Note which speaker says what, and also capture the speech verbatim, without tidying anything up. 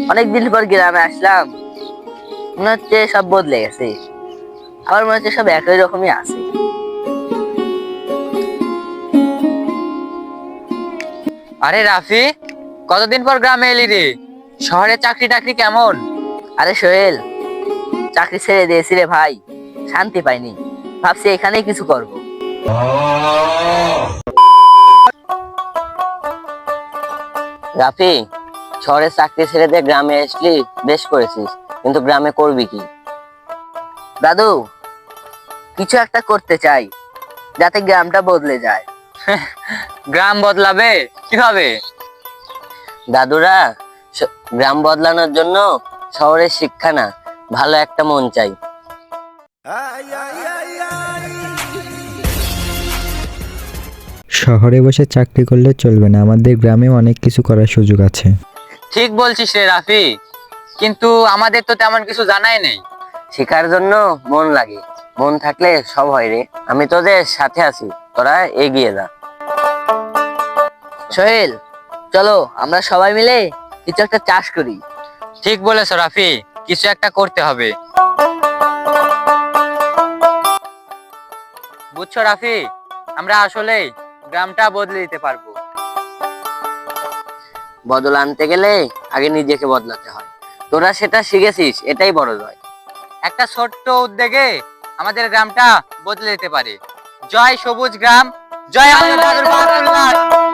Speaker 1: অনেকদিন পর গ্রামে আসলাম, মনে হচ্ছে সব বদলে গেছে। আবার মনে হচ্ছে সব একই রকমই আছে।
Speaker 2: আরে রাফি, কতদিন পর গ্রামে এলি রে? শহরে চাকরি টাকরি কেমন?
Speaker 1: আরে সোহেল, চাকরি ছেড়ে দিয়েছি রে ভাই, শান্তি পাইনি। ভাবছি এখানেই কিছু করব।
Speaker 3: রাফি, শহরে চাকরি ছেড়ে দিয়ে গ্রামে আসলি, বেশ করেছিস, কিন্তু গ্রামে করবি কি?
Speaker 1: দাদু, কিছু একটা করতে চাই যাতে গ্রামটা বদলে যায়।
Speaker 2: গ্রাম বদলাবে কিভাবে?
Speaker 3: দাদুরা, স- গ্রাম বদলানোর জন্য শহরের শিক্ষা না, ভালো একটা মন চাই।
Speaker 4: শহরে বসে চাকরি করলে চলবে না, আমাদের গ্রামেও অনেক কিছু করার সুযোগ আছে।
Speaker 2: ঠিক বলছিস রে রাফি, কিন্তু আমাদের তো তেমন কিছু জানাই নেই।
Speaker 3: শেখার জন্য মন লাগে, মন থাকলে সব হয় রে। আমি তোদের সাথে আছি, তোরা এগিয়ে যা।
Speaker 1: সোহেল, চলো আমরা সবাই মিলে কিছু একটা চাষ করি।
Speaker 2: ঠিক বলেছ রাফি, কিছু একটা করতে হবে। বুঝছো রাফি, আমরা আসলে গ্রামটা বদলে দিতে পারবো।
Speaker 3: বদল আনতে গেলে আগে নিজেকে বদলাতে হয়। তোরা সেটা শিখেছিস, এটাই বড় জয়।
Speaker 2: একটা ছোট্ট উদ্যোগে আমাদের গ্রামটা বদলে দিতে পারে। জয় সবুজ গ্রাম, জয় আমাদের দাদুর বাহাদুর লাট।